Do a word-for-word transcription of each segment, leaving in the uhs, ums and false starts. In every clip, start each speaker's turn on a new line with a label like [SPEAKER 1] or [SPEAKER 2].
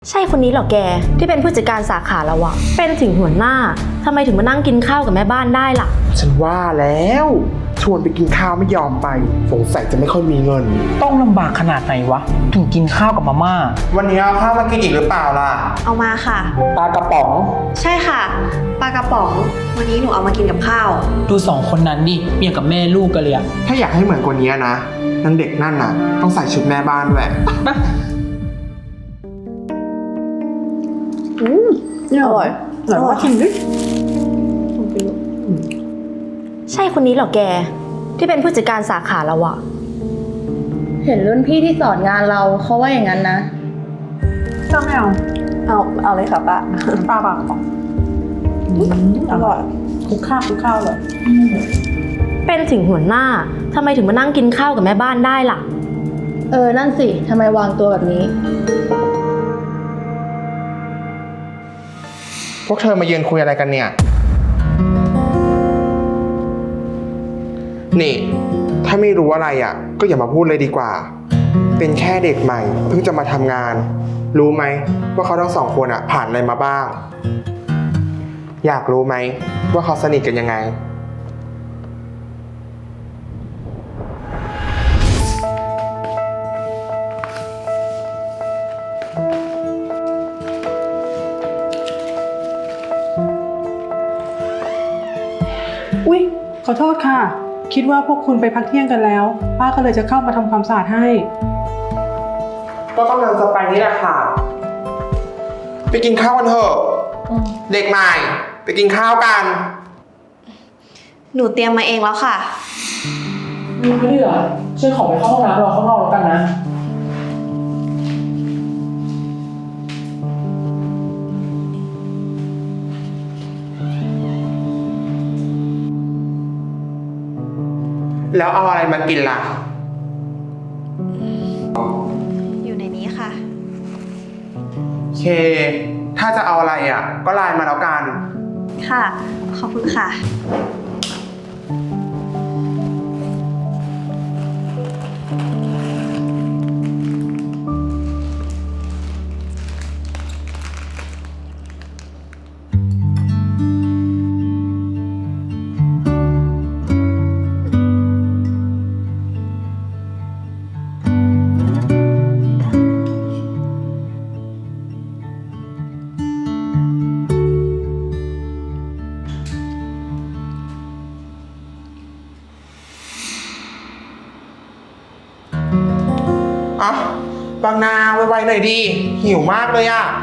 [SPEAKER 1] ใช่คนนี้เหรอแกที่เป็นผู้จัดการสาขาเราอะเป็นถึงหัวหน้าทำไมถึงมานั่งกินข้าวกับแม่บ้านได้ล่ะ
[SPEAKER 2] ฉันว่าแล้วชวนไปกินข้าวไม่ยอมไปสงสัยจะไม่ค่อยมีเงิน
[SPEAKER 3] ต้องลำบากขนาดไหนวะถึงกินข้าวกับมาม่า
[SPEAKER 2] วันนี้เอาข้าวมากินอีกหรือเปล่าล่ะ
[SPEAKER 4] เอามาค่ะ
[SPEAKER 3] ปลากระป๋อง
[SPEAKER 4] ใช่ค่ะปลากระป๋องวันนี้หนูเอามากินกับข้าว
[SPEAKER 3] ดูสองคนนั้นดิเมียกับแม่ลูกกันเลยอะ
[SPEAKER 2] ถ้าอยากให้เหมือนคนนี้นะนางเด็กนั่นน่ะต้องใส่ชุดแม่บ้านด้วย
[SPEAKER 4] อืมอร่อยอร่อยชิมดิ
[SPEAKER 1] ใช่คนนี้เหรอแกที่เป็นผู้จัดการสาขาเราอะ
[SPEAKER 5] เห็นรุ่นพี่ที่สอนงานเราเขาว่าอย่างนั้นนะ
[SPEAKER 4] ก็ไม่เอาเอาเอาเลยค่ะป้าป้าปลากระป๋องอร่อยคุกข้าวคุกข้าวเลย
[SPEAKER 1] เป็นถึงหัวหน้าทำไมถึงมานั่งกินข้าวกับแม่บ้านได้ล่ะ
[SPEAKER 5] เออนั่นสิทำไมวางตัวแบบนี้
[SPEAKER 2] พวกเธอมายืนคุยอะไรกันเนี่ยนี่ถ้าไม่รู้อะไรอ่ะก็อย่ามาพูดเลยดีกว่าเป็นแค่เด็กใหม่เพิ่งจะมาทำงานรู้ไหมว่าเขาทั้งสองคนอ่ะผ่านอะไรมาบ้างอยากรู้ไหมว่าเขาสนิทกันยังไง
[SPEAKER 6] อุ๊ยขอโทษค่ะคิดว่าพวกคุณไปพักเที่ยงกันแล้วป้าก็เลยจะเข้ามาทำความสะอาดให้
[SPEAKER 2] ก็กำลังจะไปนี่แหละค่ะไปกินข้าวกันเถอะเด็กใหม่ไปกินข้าวกัน
[SPEAKER 4] หนูเตรียมมาเองแล้วค่ะ
[SPEAKER 3] มึงไม่เหรอช่วยขอไปเข้าห้องน้ำรอข้างนอกแล้วกันนะ
[SPEAKER 2] แล้วเอาอะไรมากินล่ะ
[SPEAKER 4] อยู่ในนี้ค่ะ
[SPEAKER 2] เคถ้าจะเอาอะไรอ่ะก็ไลน์มาแล้วกัน
[SPEAKER 4] ค่ะขอบคุณค่ะ
[SPEAKER 2] อ่ะบางนาไวๆหน่อยดีหิวมากเลยอ่ะ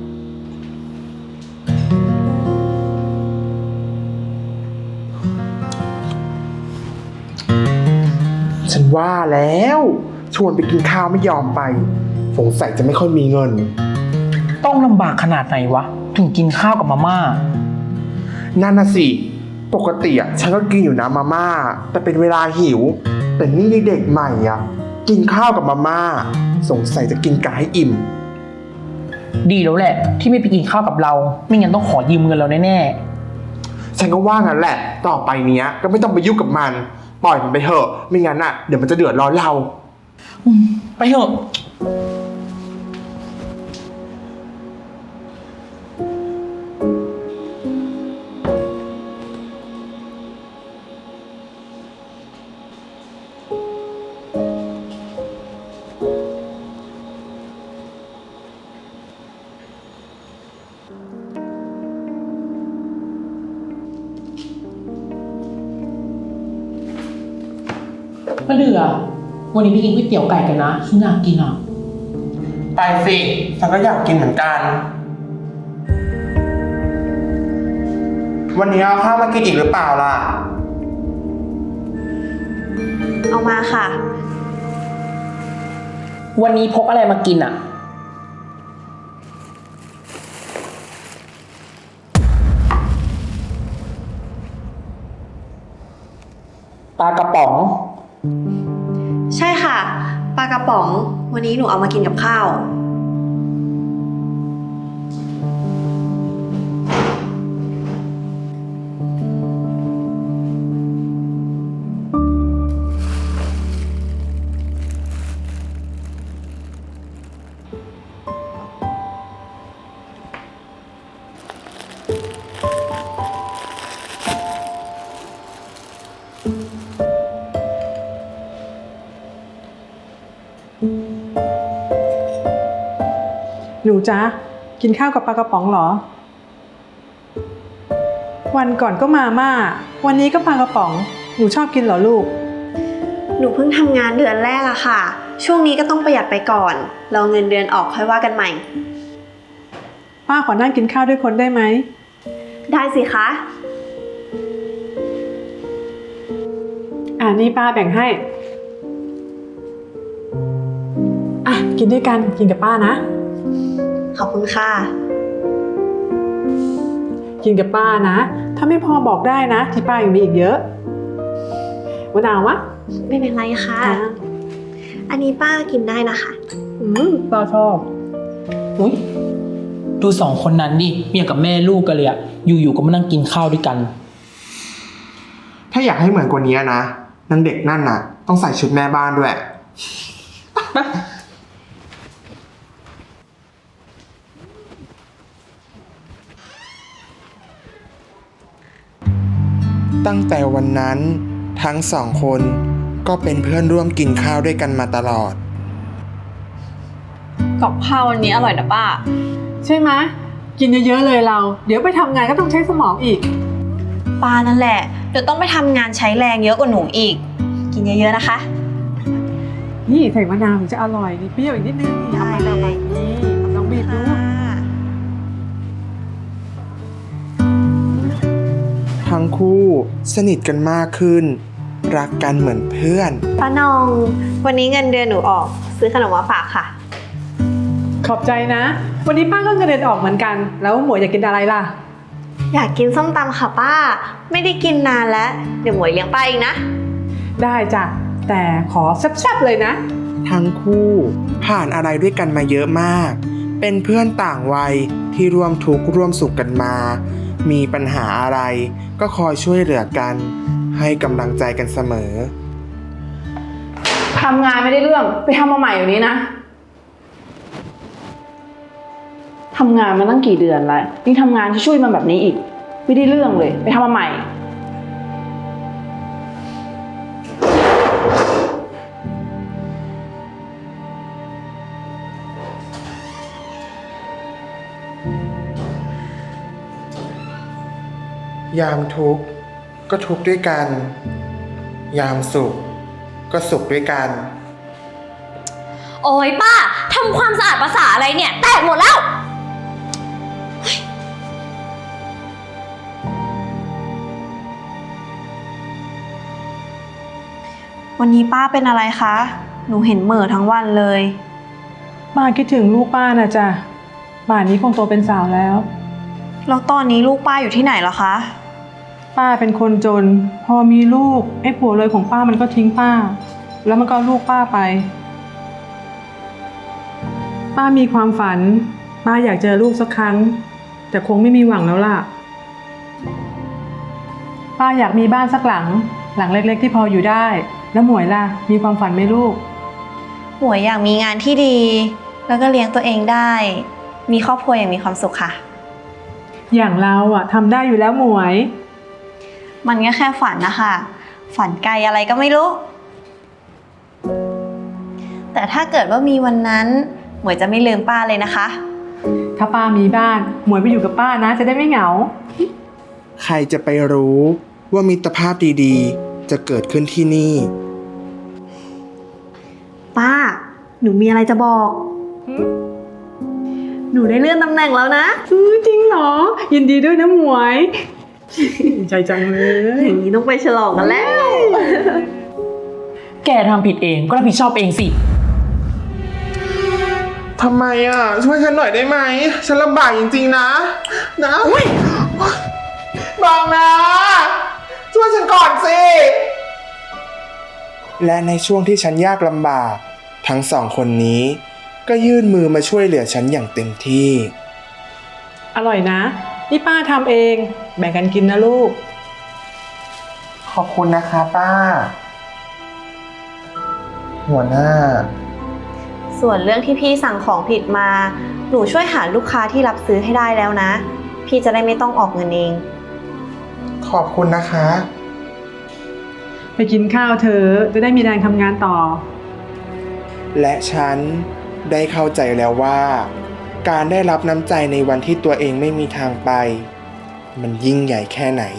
[SPEAKER 2] ฉันว่าแล้วชวนไปกินข้าวไม่ยอมไปสงสัยจะไม่ค่อยมีเงิน
[SPEAKER 3] ต้องลำบากขนาดไหนวะถึงกินข้าวกับมาม่า
[SPEAKER 2] นั่นน่ะสิปกติอ่ะฉันก็กินอยู่นะมาม่าแต่เป็นเวลาหิวแต่นี่เด็กใหม่อ่ะกินข้าวกับมาม่าสงสัยจะกินกะให้อิ่ม
[SPEAKER 3] ดีแล้วแหละที่ไม่ไปกินข้าวกับเราไม่งั้นต้องขอยืมเงินเราแน่ๆ
[SPEAKER 2] ฉันก็ว่างั้นแหละต่อไปเนี้ยก็ไม่ต้องไปยุ่งกับมันปล่อยมันไปเถอะไม่งั้นอ่ะเดี๋ยวมันจะเดือดร้อนเรา
[SPEAKER 3] ไปเถอะมาเดือวันนี้ไปกินก๋วยเตี๋ยวไก่กันนะฉันอยากกินอ่ะ
[SPEAKER 2] ไปสิฉันก็อยากกินเหมือนกันวันนี้เอาข้าวมากินอีกหรือเปล่าล่ะ
[SPEAKER 4] เอามาค่ะ
[SPEAKER 3] วันนี้พกอะไรมากินอ่ะปลากระป๋อง
[SPEAKER 4] ใช่ค่ะปลากระป๋องวันนี้หนูเอามากินกับข้าว
[SPEAKER 6] หนูจ๊ะกินข้าวกับปลากระป๋องเหรอ วันก่อนก็มาม่าวันนี้ก็ปลากระป๋องหนูชอบกินเหรอลูก
[SPEAKER 7] หนูเพิ่งทำงานเดือนแรกอะค่ะ ช่วงนี้ก็ต้องประหยัดไปก่อนรอเงินเดือนออกค่อยว่ากันใหม่
[SPEAKER 6] ป้าขอนั่งกินข้าวด้วยคนได้ไหม
[SPEAKER 7] ได้สิคะ
[SPEAKER 6] อ่านี่ป้าแบ่งให้อ่ะกินด้วยกันกินกับป้านะ
[SPEAKER 7] ขอบคุณค่ะ
[SPEAKER 6] กินกับป้านะถ้าไม่พอบอกได้นะที่ป้ายังมีอีกเยอะมะนาวมะ
[SPEAKER 7] ไม่เป็นไรค่ะ
[SPEAKER 6] อ่ะ
[SPEAKER 7] อันนี้ป้ากินได้นะคะ
[SPEAKER 6] อืมป้าชอบ
[SPEAKER 3] อุ้ยดูสองคนนั้นดิเมียกับแม่ลูกกันเลยอะอยู่ๆก็มานั่งกินข้าวด้วยกัน
[SPEAKER 2] ถ้าอยากให้เหมือนกว่านี้นะนางเด็กนั่นน่ะ ต้องใส่ชุดแม่บ้านด้วย ตั้งแต่วันนั้นทั้งสองคนก็เป็นเพื่อนร่วมกินข้าวด้วยกันมาตลอด
[SPEAKER 4] กับข้าววันนี้อร่อยนะป้า
[SPEAKER 6] ใช่ไหมกินเยอะๆเลยเรา เดี๋ยวไปทำงานก็ต้องใช้สมองอีก
[SPEAKER 7] ป้านั่นแหละ เดี๋ยวต้องไปทำงานใช้แรงเยอะกว่าหนูอีก กินเยอะๆนะคะ
[SPEAKER 6] นี่ใส่มะนาวถึงจะอร่อยนี่เปรี้ยวอีกนิดนึง
[SPEAKER 7] ได้เลย
[SPEAKER 6] นี่ลองบีบดู
[SPEAKER 2] ทั้งคู่สนิทกันมากขึ้น รักกันเหมือนเพื่อน
[SPEAKER 7] ป้านอง วันนี้เงินเดือนหนูออก ซื้อขนมมาฝากค่ะ
[SPEAKER 6] ขอบใจนะ วันนี้ป้าก็เงินเดือนออกเหมือนกัน แล้วหมวยอยากกินอะไรล่ะ
[SPEAKER 7] อยากกินส้มตำค่ะป้า ไม่ได้กินนานแล้ว เดี๋ยวหมวยเลี้ยงป้าเองนะ
[SPEAKER 6] ได้จ้ะแต่ขอแซ่บๆเลยนะ
[SPEAKER 2] ทั้งคู่ผ่านอะไรด้วยกันมาเยอะมาก เป็นเพื่อนต่างวัยที่ร่วมทุกข์ร่วมสุขกันมา มีปัญหาอะไรก็คอยช่วยเหลือกัน ให้กำลังใจกันเสมอ
[SPEAKER 5] ทำงานไม่ได้เรื่องไปทำมาใหม่อยู่นี้นะทำงานมาตั้งกี่เดือนแล้วนี่ทำงานช่วยๆมันแบบนี้อีก ไม่ได้เรื่องเลยไปทำมาใหม่
[SPEAKER 2] ยามทุกข์ก็ทุกข์ด้วยกัน ยามสุขก็สุขด้วยกัน
[SPEAKER 8] โอ้ยป้าทำความสะอาดภาษาอะไรเนี่ย แตกหมดแล้ว
[SPEAKER 7] วันนี้ป้าเป็นอะไรคะ หนูเห็นเหม่อทั้งวันเลย
[SPEAKER 6] ป้าคิดถึงลูกป้านะจ๊ะป่านนี้คงโตเป็นสาวแล้ว
[SPEAKER 7] แล้วตอนนี้ลูกป้าอยู่ที่ไหนเหรอคะ
[SPEAKER 6] ป้าเป็นคนจน พอมีลูกไอ้ผัวเลยของป้ามันก็ทิ้งป้า แล้วมันก็เอาลูกป้าไป ป้ามีความฝัน ป้าอยากเจอลูกสักครั้ง แต่คงไม่มีหวังแล้วล่ะ ป้าอยากมีบ้านสักหลัง หลังเล็กๆที่พออยู่ได้ แล้วหมวยล่ะมีความฝันไหมลูก
[SPEAKER 7] หมวยอยากมีงานที่ดี แล้วก็เลี้ยงตัวเองได้ มีครอบครัวอย่างมีความสุขค่ะ
[SPEAKER 6] อย่างเราอะทำได้อยู่แล้วหมวย
[SPEAKER 7] มันก็แค่ฝันนะคะ ฝันไกลอะไรก็ไม่รู้ แต่ถ้าเกิดว่ามีวันนั้น หมวยจะไม่ลืมป้าเลยนะคะ
[SPEAKER 6] ถ้าป้ามีบ้านหมวยไปอยู่กับป้านะ จะได้ไม่เหงา
[SPEAKER 2] ใครจะไปรู้ว่ามิตรภาพดีๆ จะเกิดขึ้นที่นี่
[SPEAKER 7] ป้า หนูมีอะไรจะบอก หนูได้เลื่อนตำแหน่งแล้วนะ
[SPEAKER 6] อือจริงเหรอ ยินดีด้วยนะหมวย ดีใจจังเลย
[SPEAKER 7] อย่างนี้ต้องไปฉลองกันแล้ว
[SPEAKER 3] แกทำผิดเองก็รับผิดชอบเองสิ
[SPEAKER 2] ทำไมอ่ะ ช่วยฉันหน่อยได้ไหม ฉันลำบากจริงๆนะ นะบางนะ ช่วยฉันก่อนสิ และในช่วงที่ฉันยากลำบาก ทั้งสองคนนี้ ก็ยื่นมือมาช่วยเหลือฉันอย่างเต็มที่
[SPEAKER 6] อร่อยนะ นี่ป้าทำเอง แบ่งกันกินนะลูก
[SPEAKER 2] ขอบคุณนะคะป้า หัวหน้า
[SPEAKER 7] ส่วนเรื่องที่พี่สั่งของผิดมา หนูช่วยหาลูกค้าที่รับซื้อให้ได้แล้วนะ พี่จะได้ไม่ต้องออกเงินเอง
[SPEAKER 2] ขอบคุณนะคะ
[SPEAKER 6] ไปกินข้าวเธอจะได้มีแรงทำงานต่อ
[SPEAKER 2] และฉันได้เข้าใจแล้วว่าการได้รับน้ำใจในวันที่ตัวเองไม่มีทางไป มันยิ่งใหญ่แค่ไหน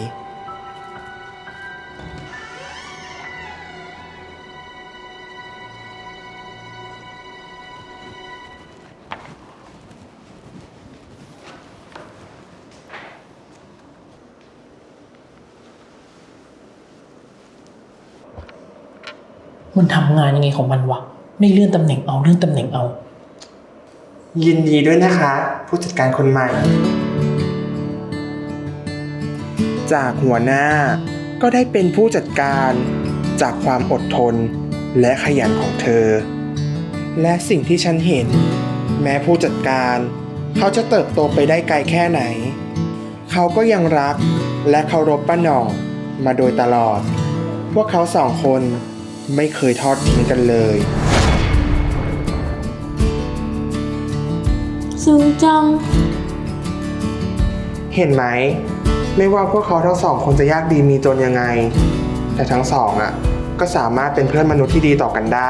[SPEAKER 3] มันทำงานยังไงของมันวะ ไม่เลื่อนตำแหน่งเอาเลื่อนตำแหน่งเอา
[SPEAKER 2] ยินดีด้วยนะคะ ผู้จัดการคนใหม่ จากหัวหน้าก็ได้เป็นผู้จัดการจากความอดทนและขยันของเธอ และสิ่งที่ฉันเห็น แม้ผู้จัดการเขาจะเติบโตไปได้ไกลแค่ไหน เขาก็ยังรักและเคารพป้าหน่องมาโดยตลอด พวกเขาสองคนไม่เคยทอดทิ้งกันเลย
[SPEAKER 1] ซึ้งจัง
[SPEAKER 2] เห็นไหม ไม่ว่าพวกเขาทั้งสองคนจะยากดีมีจนยังไง แต่ทั้งสองอ่ะก็สามารถเป็นเพื่อนมนุษย์ที่ดีต่อกันได้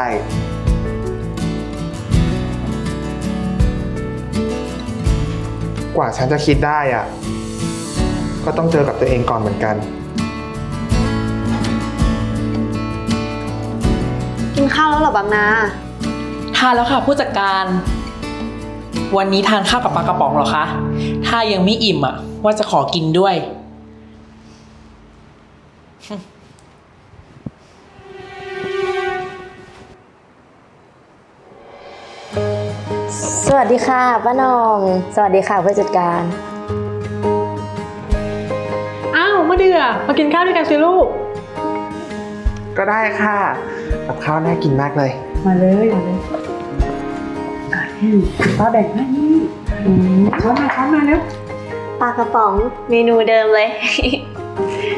[SPEAKER 2] กว่าฉันจะคิดได้อ่ะ ก็ต้องเจอกับตัวเองก่อนเหมือนกัน
[SPEAKER 7] กินข้าวแล้วเหรอบางนา
[SPEAKER 3] ทานแล้วค่ะผู้จัดการ วันนี้ทานข้าวกับปลากระป๋องเหรอคะ ถ้ายังไม่อิ่มอ่ะ ว่าจะขอกินด้วย
[SPEAKER 1] สวัสดีค่ะป้าหนอง สวัสดีค่ะผู้จัดการ
[SPEAKER 6] อ้าวมะเดือมากินข้าวด้วยกันสิลูก
[SPEAKER 2] ก็ได้ค่ะกับข้าวน่ากินมากเลย
[SPEAKER 6] มาเลยมาเลยอ่ะนี่ป้าแบ่งให้นี่อืมช้อนมาช้อนมาแล้ว
[SPEAKER 7] ปลากระป๋องเมนูเดิมเลย